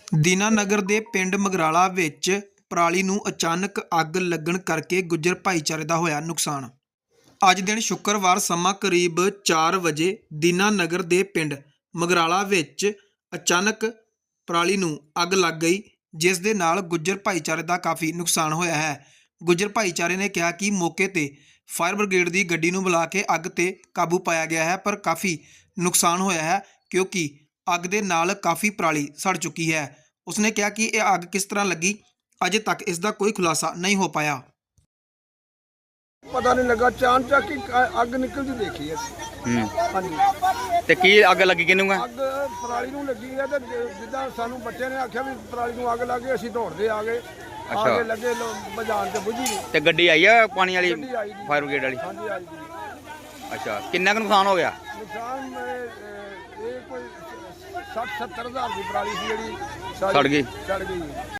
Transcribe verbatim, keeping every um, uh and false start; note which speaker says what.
Speaker 1: ਦੀਨਾਨਗਰ ਦੇ ਪਿੰਡ ਮਗਰਾਲਾ ਵਿੱਚ ਪਰਾਲੀ ਨੂੰ ਅਚਾਨਕ ਅੱਗ ਲੱਗਣ ਕਰਕੇ ਗੁੱਜਰ ਭਾਈਚਾਰੇ ਦਾ ਹੋਇਆ ਨੁਕਸਾਨ। ਅੱਜ ਦਿਨ ਸ਼ੁੱਕਰਵਾਰ ਸਮਾਂ ਕਰੀਬ ਚਾਰ ਵਜੇ ਦੀਨਾਨਗਰ ਦੇ ਪਿੰਡ ਮਗਰਾਲਾ ਵਿੱਚ ਅਚਾਨਕ ਪਰਾਲੀ ਨੂੰ ਅੱਗ ਲੱਗ ਗਈ, ਜਿਸ ਦੇ ਨਾਲ ਗੁੱਜਰ ਭਾਈਚਾਰੇ ਦਾ ਕਾਫੀ ਨੁਕਸਾਨ ਹੋਇਆ ਹੈ। ਗੁੱਜਰ ਭਾਈਚਾਰੇ ਨੇ ਕਿਹਾ ਕਿ ਮੌਕੇ ਤੇ ਫਾਇਰ ਬ੍ਰਿਗੇਡ ਦੀ ਗੱਡੀ ਨੂੰ ਬੁਲਾ ਕੇ ਅੱਗ ਤੇ ਕਾਬੂ ਪਾਇਆ ਗਿਆ ਹੈ, ਪਰ ਕਾਫੀ ਨੁਕਸਾਨ ਹੋਇਆ ਹੈ ਕਿਉਂਕਿ ਅੱਗ ਦੇ ਨਾਲ ਕਾਫੀ ਪਰਾਲੀ ਸੜ ਚੁੱਕੀ ਹੈ। ਉਸਨੇ ਕਿਹਾ ਕਿ ਇਹ ਅੱਗ ਕਿਸ ਤਰ੍ਹਾਂ ਲੱਗੀ, ਅਜੇ ਤੱਕ ਇਸ ਦਾ ਕੋਈ ਖੁਲਾਸਾ ਨਹੀਂ ਹੋ ਪਾਇਆ।
Speaker 2: ਪਤਾ ਨਹੀਂ ਲੱਗਾ, ਚਾਨ ਚੱਕ ਹੀ ਅੱਗ ਨਿਕਲਦੀ ਦੇਖੀ ਅਸੀਂ। ਹਾਂਜੀ,
Speaker 3: ਤੇ ਕੀ ਅੱਗ ਲੱਗੀ ਕਿਹਨੂੰ ਆ?
Speaker 2: ਅੱਗ ਪਰਾਲੀ ਨੂੰ ਲੱਗੀ ਹੈ ਤੇ ਜਿੱਦਾਂ ਸਾਨੂੰ ਬੱਚਿਆਂ ਨੇ ਆਖਿਆ ਵੀ ਪਰਾਲੀ ਨੂੰ ਅੱਗ ਲੱਗ ਗਈ, ਅਸੀਂ ਦੌੜਦੇ ਆ ਗਏ, ਆ ਕੇ ਲੱਗੇ ਬਾਜ਼ਾਰ ਤੇ ਬੁਝੀ।
Speaker 3: ਤੇ ਗੱਡੀ ਆਈ ਆ ਪਾਣੀ ਵਾਲੀ,
Speaker 2: ਗੱਡੀ ਆਈ ਜੀ,
Speaker 3: ਫਾਇਰ ਬ੍ਰਿਗੇਡ ਵਾਲੀ?
Speaker 2: ਹਾਂਜੀ ਆਈ ਜੀ।
Speaker 3: ਅੱਛਾ, ਕਿੰਨਾ ਕੁ ਨੁਕਸਾਨ ਹੋ ਗਿਆ?
Speaker 2: ਨੁਕਸਾਨ ਇਹ ਕੋਈ ਸੱਠ ਸੱਤਰ ਹਜ਼ਾਰ ਦੀ ਪਰਾਲੀ ਸੀ ਜਿਹੜੀ
Speaker 3: ਸੜ ਗਈ।
Speaker 2: ਸੜ ਗਈ।